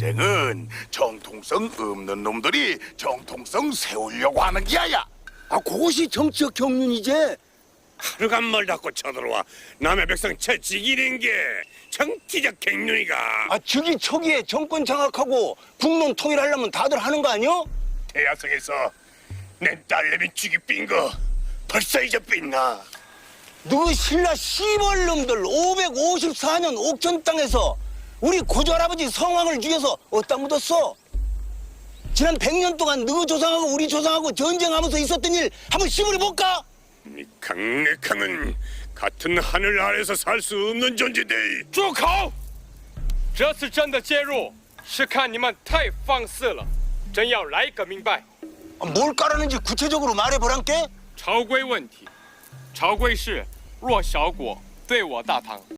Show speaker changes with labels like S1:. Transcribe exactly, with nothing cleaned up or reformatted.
S1: 전쟁은 정통성 없는 놈들이 정통성 세우려고 하는 기야야.
S2: 아, 그것이 정치적 경륜이지.
S3: 하루간 말 닫고 쳐들어와 남의 백성 채찍이는 게 정치적 갱년이가.
S2: 아, 즉위 초기에 정권 장악하고 국론 통일하려면 다들 하는 거 아니야?
S3: 대야성에서 내 딸내미 죽이 삔 거 벌써 잊어삔나?
S2: 너 신라 시벌 놈들 오백오십사 년 옥천 땅에서 우리 고조할아버지 성왕을 죽여서 어디다 묻었어? 지난 백 년 동안 너 조상하고 우리 조상하고 전쟁하면서 있었던 일 한번 시물해 볼까?
S3: 이 강력함은 같은 하늘 아래서 살 수 없는 존재대.
S4: 住口！这次真的介入，是看你们太放肆了，真要来个明白。
S2: 아, 뭘 까라는지 구체적으로 말해보란께?
S4: 朝规问题，朝规是弱小国对我大唐。